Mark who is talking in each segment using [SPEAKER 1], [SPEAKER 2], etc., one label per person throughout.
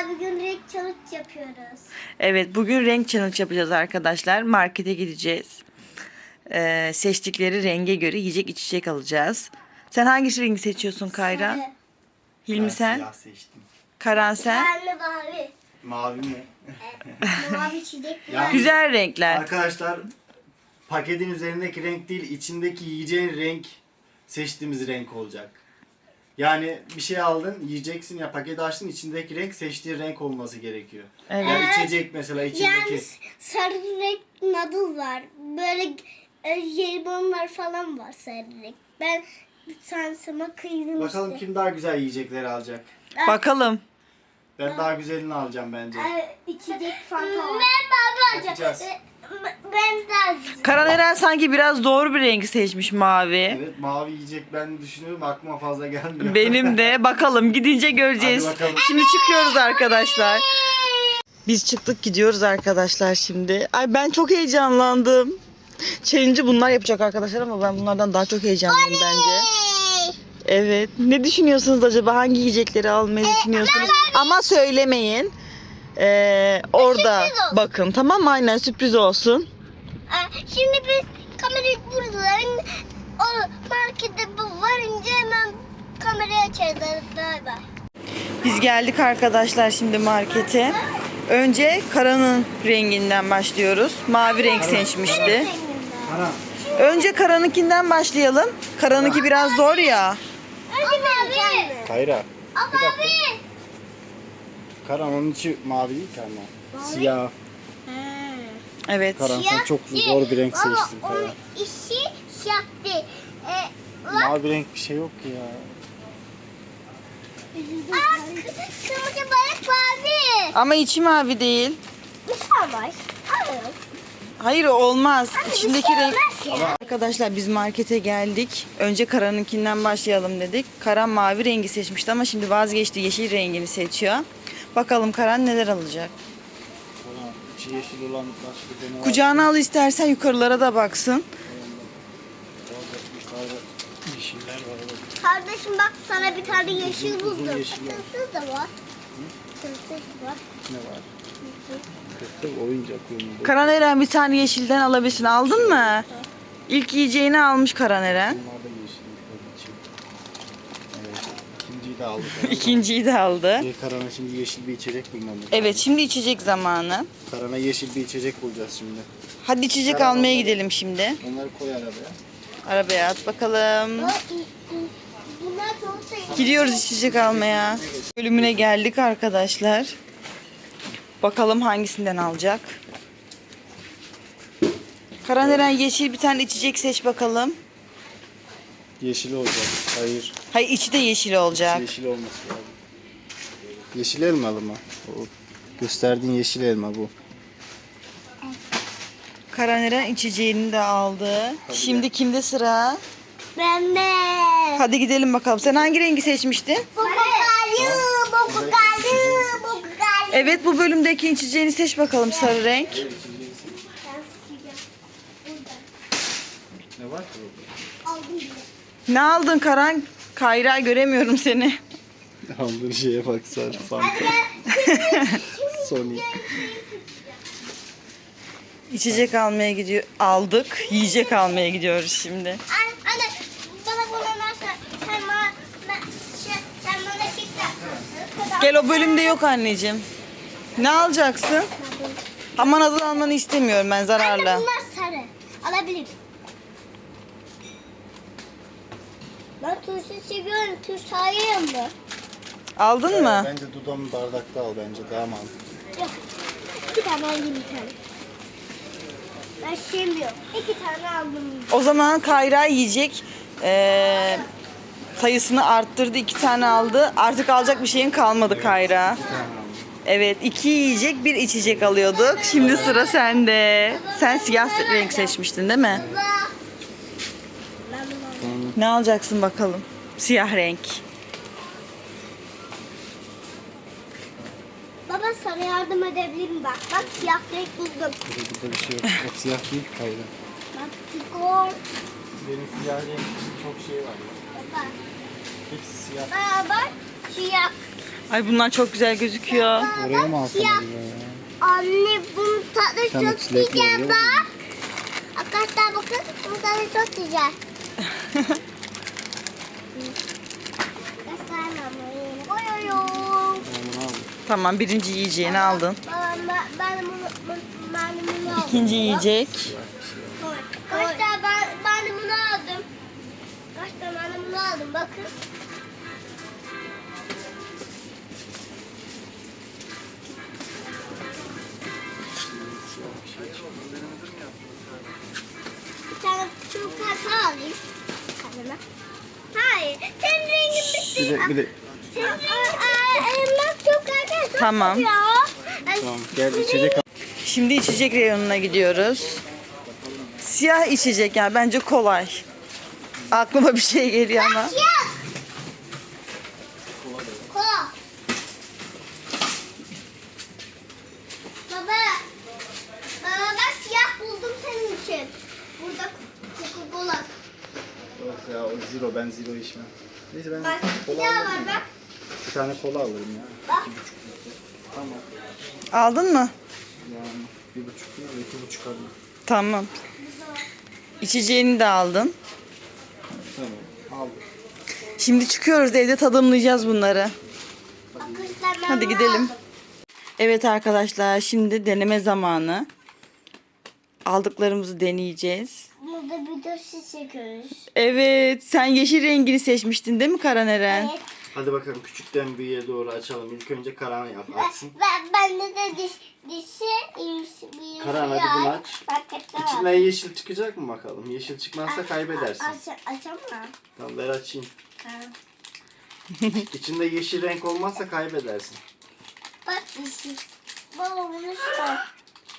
[SPEAKER 1] bugün renk challenge yapıyoruz.
[SPEAKER 2] Evet, bugün renk challenge yapacağız arkadaşlar. Markete gideceğiz. Seçtikleri renge göre yiyecek içecek alacağız. Sen hangi rengi seçiyorsun Kayra?
[SPEAKER 1] Sarı.
[SPEAKER 2] Hilmi
[SPEAKER 3] Ben
[SPEAKER 2] sen?
[SPEAKER 3] siyah seçtim.
[SPEAKER 2] Karan sen?
[SPEAKER 1] Sarı mavi.
[SPEAKER 3] Mavi mi?
[SPEAKER 1] Mavi çiçek.
[SPEAKER 3] Yani
[SPEAKER 2] Güzel renkler.
[SPEAKER 3] arkadaşlar paketin üzerindeki renk değil, içindeki yiyeceğin renk seçtiğimiz renk olacak. Yani bir şey aldın, yiyeceksin ya, paketi açtın, içindeki renk seçtiğin renk olması gerekiyor.
[SPEAKER 2] Evet.
[SPEAKER 3] Yani içecek mesela içindeki.
[SPEAKER 1] Yani sarı renk noodle var. Böyle jelibonlar falan var sarı renk. Ben şansıma kıydım
[SPEAKER 3] Bakalım
[SPEAKER 1] işte.
[SPEAKER 3] kim daha güzel yiyecekleri alacak.
[SPEAKER 2] Bakalım.
[SPEAKER 3] Ben daha güzelini alacağım bence.
[SPEAKER 1] İçecek fanta var. Ben
[SPEAKER 3] Bakacağız.
[SPEAKER 1] Ben de
[SPEAKER 2] Karan Eren sanki biraz doğru bir rengi seçmiş mavi.
[SPEAKER 3] Evet, mavi yiyecek ben düşünüyorum, aklıma fazla gelmiyor.
[SPEAKER 2] Benim de. Bakalım gidince göreceğiz.
[SPEAKER 3] Hadi bakalım.
[SPEAKER 2] Şimdi çıkıyoruz arkadaşlar. Biz çıktık gidiyoruz arkadaşlar şimdi. Ay ben çok heyecanlandım. Challenge'ı bunlar yapacak arkadaşlar ama ben bunlardan daha çok heyecanlıyım bence. Evet. Ne düşünüyorsunuz acaba? Hangi yiyecekleri almayı düşünüyorsunuz? Ama söylemeyin. Orada
[SPEAKER 1] Sürpriz olsun.
[SPEAKER 2] bakın, tamam mı? Aynen, sürpriz olsun.
[SPEAKER 1] Şimdi biz kamerayı buradan o markete varınca hemen kamerayı açarız. Bay bay.
[SPEAKER 2] Biz geldik arkadaşlar şimdi markete. Önce Karan'ın renginden başlıyoruz. Mavi renk seçmişti.
[SPEAKER 3] Ana,
[SPEAKER 2] Önce Karan'ınkinden başlayalım. Karan'ınki biraz zor ya.
[SPEAKER 1] Önce ben
[SPEAKER 3] Kayra.
[SPEAKER 1] abi.
[SPEAKER 3] Karan onun içi mavi değil ki ama. Siyah.
[SPEAKER 2] Evet.
[SPEAKER 3] Karan sen çok zor bir renk seçtin
[SPEAKER 1] Onun
[SPEAKER 3] Karan.
[SPEAKER 1] işi siyah değil.
[SPEAKER 3] Mavi renk bir şey yok ki ya.
[SPEAKER 1] Kırmızı balık mavi.
[SPEAKER 2] Ama içi mavi değil.
[SPEAKER 1] Bir şey var. Hayır.
[SPEAKER 2] Hayır, o olmaz. İçindeki
[SPEAKER 1] Bir şey
[SPEAKER 2] renk...
[SPEAKER 1] olmaz ya.
[SPEAKER 2] Arkadaşlar biz markete geldik. Önce Karan'ınkinden başlayalım dedik. Karan mavi rengi seçmişti ama şimdi vazgeçti. Yeşil rengini seçiyor. Bakalım Karan neler alacak.
[SPEAKER 3] Karan içi yeşil olan başka bir ne var?
[SPEAKER 2] Kucağına al istersen, yukarılara da baksın.
[SPEAKER 3] Yukarıda yeşiller var. Evet.
[SPEAKER 1] Kardeşim bak sana bir tane yeşil
[SPEAKER 3] Uzun
[SPEAKER 1] buldum.
[SPEAKER 3] yeşil var.
[SPEAKER 1] Tılsız da var. Tılsız var.
[SPEAKER 3] Ne var? Kırkta oyuncak oyunu.
[SPEAKER 2] Karan Eren bir tane yeşilden alabilirsin. Aldın mı? İlk yiyeceğini almış Karan Eren.
[SPEAKER 3] Bunlar da yeşilmiş onun için. Evet. İkinciyi de aldık.
[SPEAKER 2] İkinciyi de aldı.
[SPEAKER 3] Karan'a şimdi yeşil bir içecek bulmamız lazım.
[SPEAKER 2] Evet, şimdi içecek zamanı.
[SPEAKER 3] Karan'a yeşil bir içecek bulacağız şimdi.
[SPEAKER 2] Hadi içecek
[SPEAKER 3] Karan
[SPEAKER 2] almaya
[SPEAKER 3] onları-
[SPEAKER 2] gidelim şimdi.
[SPEAKER 3] Onları koy arabaya.
[SPEAKER 2] Arabaya at bakalım.
[SPEAKER 1] Bunlar çok sevdim.
[SPEAKER 2] Gidiyoruz içecek almaya. Bölümüne geldik arkadaşlar. Bakalım hangisinden alacak. Karan Eren yeşil bir tane içecek seç bakalım.
[SPEAKER 3] Yeşil olacak. Hayır.
[SPEAKER 2] Hayır, içi de yeşil olacak.
[SPEAKER 3] Yeşil olması lazım. Yeşil elmalı mı? O gösterdiğin yeşil elma bu.
[SPEAKER 2] Karan Eren içeceğini de aldı. Şimdi kimde sıra?
[SPEAKER 1] Ben de.
[SPEAKER 2] Hadi gidelim bakalım. Sen hangi rengi seçmiştin?
[SPEAKER 1] Boku kaldı.
[SPEAKER 2] Evet, bu bölümdeki içeceğini seç bakalım, sarı renk.
[SPEAKER 3] Ne var ki
[SPEAKER 2] Ne aldın Karan? Kayra, göremiyorum seni.
[SPEAKER 3] burada? Aldığın şeye bak sen. Fanta. Sonic.
[SPEAKER 2] İçecek almaya gidiyor. Aldık. Yiyecek almaya gidiyoruz şimdi.
[SPEAKER 1] Anne bana bunu nasıl sen bana kek yapmışsın.
[SPEAKER 2] Gel, o bölümde yok anneciğim. Ne alacaksın? Aman, adını almanı istemiyorum ben,
[SPEAKER 1] Anne
[SPEAKER 2] zararlı.
[SPEAKER 1] bunlar sarı. Alabilirim. Ben turşu seviyorum. Turşu alayım mı?
[SPEAKER 2] Aldın mı?
[SPEAKER 3] Bence dudamı bardakta al, bence daha mantıklı.
[SPEAKER 1] Yok. İki tane alayım bir tane. Ben sevmiyorum. İki tane aldım.
[SPEAKER 2] O zaman Kayra yiyecek sayısını arttırdı. 2 tane aldı. Artık alacak bir şeyin kalmadı Kayra. Evet, 2 yiyecek, 1 içecek alıyorduk. Şimdi sıra sende. Sen siyah renk seçmiştin değil mi?
[SPEAKER 1] Baba. Ben bunu aldım.
[SPEAKER 2] Ne alacaksın bakalım? Siyah renk.
[SPEAKER 1] Baba sana yardım edebilirim bak. Bak siyah renk buldum.
[SPEAKER 3] Burada bir şey yok. O siyah değil ki Kayra.
[SPEAKER 1] Bak skor.
[SPEAKER 3] Benim siyah renk çok şey var.
[SPEAKER 1] Baba.
[SPEAKER 3] Hepsi siyah.
[SPEAKER 1] Baba bak siyah.
[SPEAKER 2] Ay bunlar çok güzel gözüküyor.
[SPEAKER 3] Oraya mı alsam
[SPEAKER 1] Siyah.
[SPEAKER 3] acaba ya?
[SPEAKER 1] Anne bunun tadı
[SPEAKER 3] Tamam,
[SPEAKER 1] çok
[SPEAKER 3] çilekli
[SPEAKER 1] güzel
[SPEAKER 3] oluyor.
[SPEAKER 1] bak. Arkadaşlar bakın bunun tadı çok güzel. Arkadaşlar ben bunu koyuyorum.
[SPEAKER 3] Ben bunu aldım.
[SPEAKER 2] Tamam, birinci yiyeceğini aldın.
[SPEAKER 1] Ben bunu aldım.
[SPEAKER 2] İkinci yiyecek.
[SPEAKER 1] Arkadaşlar ben bunu aldım. Arkadaşlar ben bunu aldım bakın. Bir tane çikolata alayım. Kendime. Hayır. Senin rengin bitti.
[SPEAKER 3] Bir de.
[SPEAKER 1] Senin rengin bak çok güzel.
[SPEAKER 2] Tamam.
[SPEAKER 3] Tamam gel içecek al.
[SPEAKER 2] Şimdi içecek reyonuna gidiyoruz. Siyah içecek yani bence kolay. Aklıma bir şey geliyor ama.
[SPEAKER 1] Siyah. Kola. Baba. Baba ben siyah buldum senin için. Burada Coca-Cola.
[SPEAKER 3] Yok ya o zero, ben zero içmem. Neyse ben
[SPEAKER 1] Bak bir
[SPEAKER 3] kola
[SPEAKER 1] daha
[SPEAKER 3] alırım.
[SPEAKER 1] var bak.
[SPEAKER 3] Bir tane kola alırım ya.
[SPEAKER 1] Bak.
[SPEAKER 3] 2,5 litre. Tamam.
[SPEAKER 2] Aldın mı?
[SPEAKER 3] Yani 1,5 litre, 2,5 alayım.
[SPEAKER 2] Tamam. İçeceğini de aldın.
[SPEAKER 3] Tamam aldım.
[SPEAKER 2] Şimdi çıkıyoruz, evde tadımlayacağız bunları.
[SPEAKER 1] Arkadaşlar ben
[SPEAKER 2] Hadi
[SPEAKER 1] bunu
[SPEAKER 2] gidelim.
[SPEAKER 1] aldım.
[SPEAKER 2] Evet arkadaşlar, şimdi deneme zamanı. Aldıklarımızı deneyeceğiz.
[SPEAKER 1] Burada bir de siz çekiyoruz.
[SPEAKER 2] Evet, sen yeşil rengini seçmiştin değil mi Karaneren?
[SPEAKER 1] Evet.
[SPEAKER 3] Hadi bakalım küçükten büyüğe doğru açalım. İlk önce Karan açsın.
[SPEAKER 1] Ben de dişi bir
[SPEAKER 3] Karan hadi bunu aç.
[SPEAKER 1] Paketler var.
[SPEAKER 3] İçinden yeşil çıkacak mı bakalım? Yeşil çıkmazsa kaybedersin.
[SPEAKER 1] Açamam.
[SPEAKER 3] Tamam ver açayım.
[SPEAKER 1] Ha.
[SPEAKER 3] İçinde yeşil renk olmazsa kaybedersin.
[SPEAKER 1] Bak dişi. Baba bunu sor.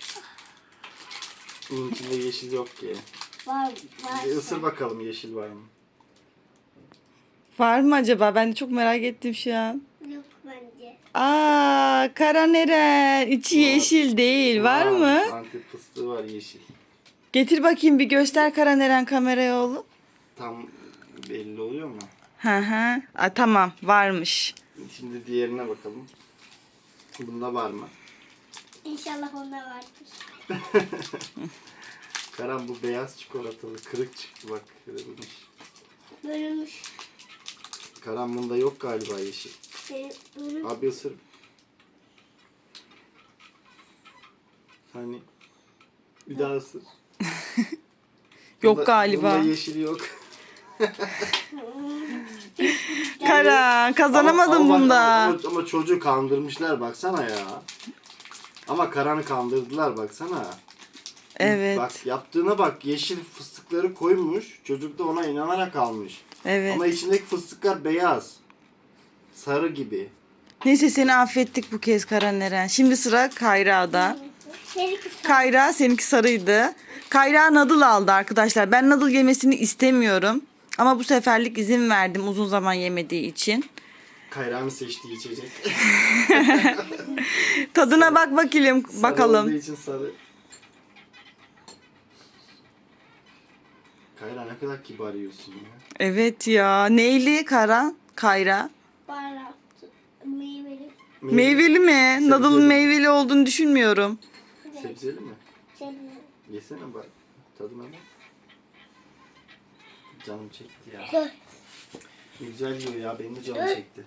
[SPEAKER 3] Bunun içinde yeşil yok ki.
[SPEAKER 1] Var.
[SPEAKER 3] Bir ısır bakalım yeşil var mı?
[SPEAKER 2] Var mı acaba? Ben de çok merak ettim şu an.
[SPEAKER 1] Yok bence.
[SPEAKER 2] Aa, Karaneren, içi
[SPEAKER 3] Var.
[SPEAKER 2] yeşil değil. Var mı?
[SPEAKER 3] Antep fıstığı var yeşil.
[SPEAKER 2] Getir bakayım, bir göster Karaneren kameraya oğlum.
[SPEAKER 3] Tam belli oluyor mu?
[SPEAKER 2] Hı hı. Aa, tamam, varmış.
[SPEAKER 3] Şimdi diğerine bakalım. Bunda var mı?
[SPEAKER 1] İnşallah onda vardır.
[SPEAKER 3] Karan bu beyaz çikolatalı kırık çıktı bak. Kırılmış.
[SPEAKER 1] Bölünmüş.
[SPEAKER 3] Karan bunda yok galiba yeşil.
[SPEAKER 1] Bölünmüş.
[SPEAKER 3] Abi ısır. Hani bir daha ısır.
[SPEAKER 2] Yok galiba.
[SPEAKER 3] Bunda yeşil yok.
[SPEAKER 2] Karan, kazanamadın
[SPEAKER 3] Ama bak,
[SPEAKER 2] bunda.
[SPEAKER 3] ama çocuğu kandırmışlar baksana ya. Ama Karan'ı kandırdılar baksana.
[SPEAKER 2] Evet.
[SPEAKER 3] Bak yaptığına bak, yeşil fıstıkları koymuş. Çocuk da ona inanarak almış.
[SPEAKER 2] Evet.
[SPEAKER 3] Ama içindeki fıstıklar beyaz. Sarı gibi.
[SPEAKER 2] Neyse, seni affettik bu kez Karaneren. Şimdi sıra Kayra'da.
[SPEAKER 1] Seni kısa.
[SPEAKER 2] Kayra, seninki sarıydı. Kayra nadıl aldı arkadaşlar. Ben nadıl yemesini istemiyorum. Ama bu seferlik izin verdim uzun zaman yemediği için.
[SPEAKER 3] Kayra'nın seçtiği içecek.
[SPEAKER 2] Tadına bak bakalım.
[SPEAKER 3] Sarı olduğu
[SPEAKER 2] Bakalım.
[SPEAKER 3] için sarı. Kayra ne kadar kibar yiyorsun ya.
[SPEAKER 2] Evet ya. Neyli Kara? Kayra.
[SPEAKER 1] Baharat. Meyveli.
[SPEAKER 2] Meyveli mi? Nadıl'ın
[SPEAKER 3] Sebzeli.
[SPEAKER 2] meyveli olduğunu düşünmüyorum.
[SPEAKER 3] Sebzeli mi?
[SPEAKER 1] Sebze.
[SPEAKER 3] Yesene bak. Tadına bak. Canım çekti ya.
[SPEAKER 1] Dur.
[SPEAKER 3] Güzel yiyor ya. Benim de canım çekti.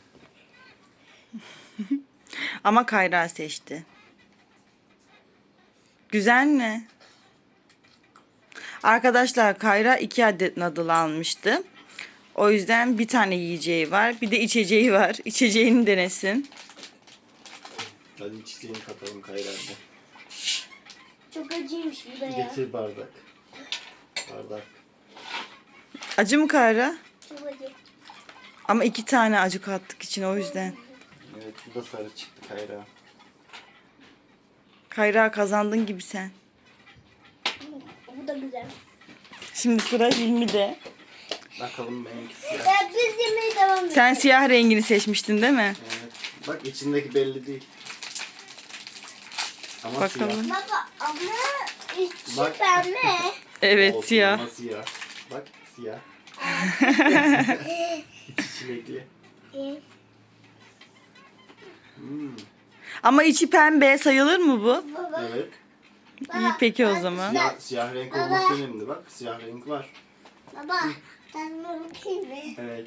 [SPEAKER 2] Ama Kayra seçti. Güzel mi? Arkadaşlar, Kayra 2 adet nadıl almıştı. O yüzden bir tane yiyeceği var. Bir de içeceği var. İçeceğini denesin.
[SPEAKER 3] Hadi içeceğini katalım Kayra'da.
[SPEAKER 1] Çok acıymış bu da ya.
[SPEAKER 3] Getir bardak. Bardak.
[SPEAKER 2] Acı mı Kayra?
[SPEAKER 1] Çok acı.
[SPEAKER 2] Ama 2 tane acı kattık için, o yüzden.
[SPEAKER 3] Evet bu da sarı çıktı Kayra.
[SPEAKER 2] Kayra, kazandın gibi sen.
[SPEAKER 1] Bu da güzel.
[SPEAKER 2] Şimdi sıra Hilmi'de.
[SPEAKER 3] Bakalım benimki siyah.
[SPEAKER 1] Ya biz yemeğe devam edelim.
[SPEAKER 2] Sen siyah rengini seçmiştin değil mi?
[SPEAKER 3] Evet. Bak içindeki belli değil. Ama
[SPEAKER 2] Bakalım.
[SPEAKER 3] siyah.
[SPEAKER 1] Baba ama içi
[SPEAKER 3] Bak.
[SPEAKER 1] pembe.
[SPEAKER 2] Evet,
[SPEAKER 3] Olsun,
[SPEAKER 2] siyah.
[SPEAKER 3] ama siyah. Bak siyah. İçi çilekli.
[SPEAKER 2] Ama içi pembe sayılır mı bu?
[SPEAKER 1] Baba.
[SPEAKER 3] Evet.
[SPEAKER 2] İyi peki o zaman.
[SPEAKER 3] Siyah renk olması önemli bak. Siyah renk var.
[SPEAKER 1] Baba ben bunu bakayım mı?
[SPEAKER 3] Evet.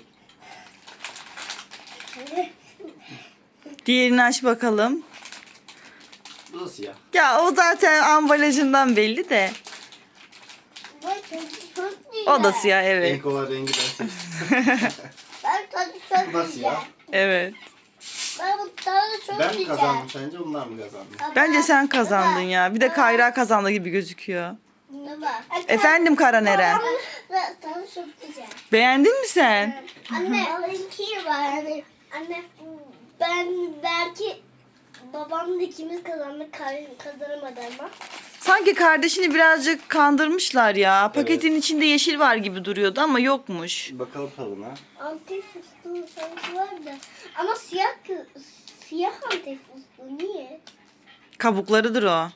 [SPEAKER 2] Diğerini aç bakalım.
[SPEAKER 3] Bu da siyah.
[SPEAKER 2] Ya o zaten ambalajından belli de.
[SPEAKER 1] Bak çok güzel.
[SPEAKER 2] O da siyah evet.
[SPEAKER 3] Renk olan rengi ben seçtim.
[SPEAKER 1] Ben tadı çok
[SPEAKER 3] Bu da
[SPEAKER 1] güzel.
[SPEAKER 3] siyah.
[SPEAKER 2] Evet.
[SPEAKER 1] Ben bu tadı çok
[SPEAKER 3] Ben mi
[SPEAKER 1] güzel.
[SPEAKER 3] kazandım sence onlar mı kazandı?
[SPEAKER 1] Baba,
[SPEAKER 2] Bence sen kazandın ya. Bir de Kayra kazandı gibi gözüküyor.
[SPEAKER 1] Baba.
[SPEAKER 2] Efendim Karaneren.
[SPEAKER 1] Tadı çok güzel.
[SPEAKER 2] Beğendin mi sen?
[SPEAKER 1] Anne onunki var. Anne ben belki babamla ikimiz kazandık kazanamadı ama.
[SPEAKER 2] Sanki kardeşini birazcık kandırmışlar ya. Paketin içinde yeşil var gibi duruyordu ama yokmuş.
[SPEAKER 3] Bakalım tadına.
[SPEAKER 1] Antep fıstığı sanki vardı. Ama siyah antep fıstığı niye?
[SPEAKER 2] Kabuklarıdır o.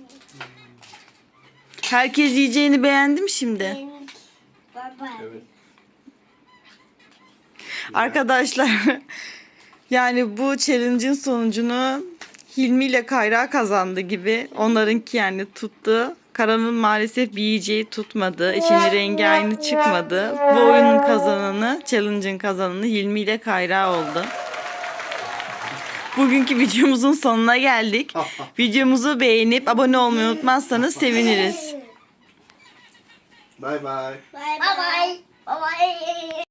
[SPEAKER 2] Herkes yiyeceğini beğendi mi şimdi?
[SPEAKER 1] Baba.
[SPEAKER 3] Evet.
[SPEAKER 2] Arkadaşlar yani bu challenge'ın sonucunu Hilmi ile Kayra kazandı gibi. Onlarınki yani tuttu. Karan'ın maalesef bir yiyeceği tutmadı. İçinin rengi aynı çıkmadı. Bu oyunun kazananı, challenge'ın kazananı Hilmi ile Kayra oldu. Bugünkü videomuzun sonuna geldik. Videomuzu beğenip abone olmayı unutmazsanız seviniriz.
[SPEAKER 3] Bye bye.
[SPEAKER 1] Bye bye. Bye bye.